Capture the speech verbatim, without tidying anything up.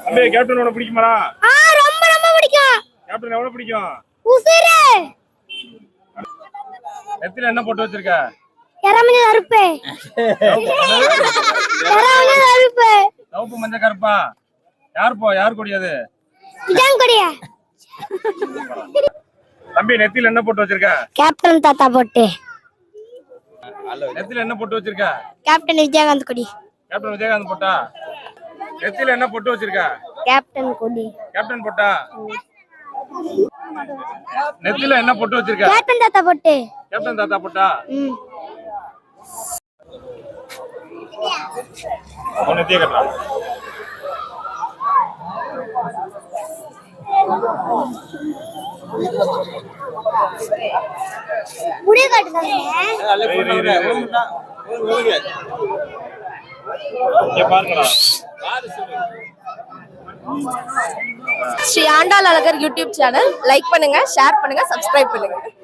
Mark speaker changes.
Speaker 1: அம்பே captain உனக்கு பிடிக்குமாடா?
Speaker 2: ஆ ரொம்ப ரொம்ப பிடிக்கும்.
Speaker 1: கேப்டன் எவ்வளவு பிடிக்கும்?
Speaker 2: உசிரே.
Speaker 1: நெத்தில என்ன போட்டு வச்சிருக்க?
Speaker 2: எரமணி கருப்பு. எரமணி கருப்பு.
Speaker 1: சிவப்பு மஞ்சள் கருப்பா? யார் போ யார் கொடி அது?
Speaker 2: இதான் கொடியா?
Speaker 1: தம்பி நெத்தில என்ன போட்டு வச்சிருக்க?
Speaker 2: கேப்டன் தாத்தா போட்டு.
Speaker 1: நெத்தில என்ன போட்டு வச்சிருக்க?
Speaker 2: கேப்டன் விஜயகாந்த் கொடி.
Speaker 1: கேப்டன் விஜயகாந்த் போட்டா? நெத்தில என்ன போட்டு வச்சிருக்க?
Speaker 2: கேப்டன் கொடி.
Speaker 1: கேப்டன் போட்டா? நெத்தில என்ன போட்டு வச்சிருக்க?
Speaker 2: கேப்டன் தாத்தா போட்டு.
Speaker 1: கேப்டன் தாத்தா போட்டா?
Speaker 2: ம்.
Speaker 1: அவன் நெத்திய கட்டலாம்.
Speaker 2: முடிய காட்டுதாங்க.
Speaker 1: இங்க பாருங்கடா.
Speaker 3: Sri Andal Azhagar YouTube channel like பண்ணுங்க, ஷேர் பண்ணுங்க, சப்ஸ்கிரைப் பண்ணுங்க.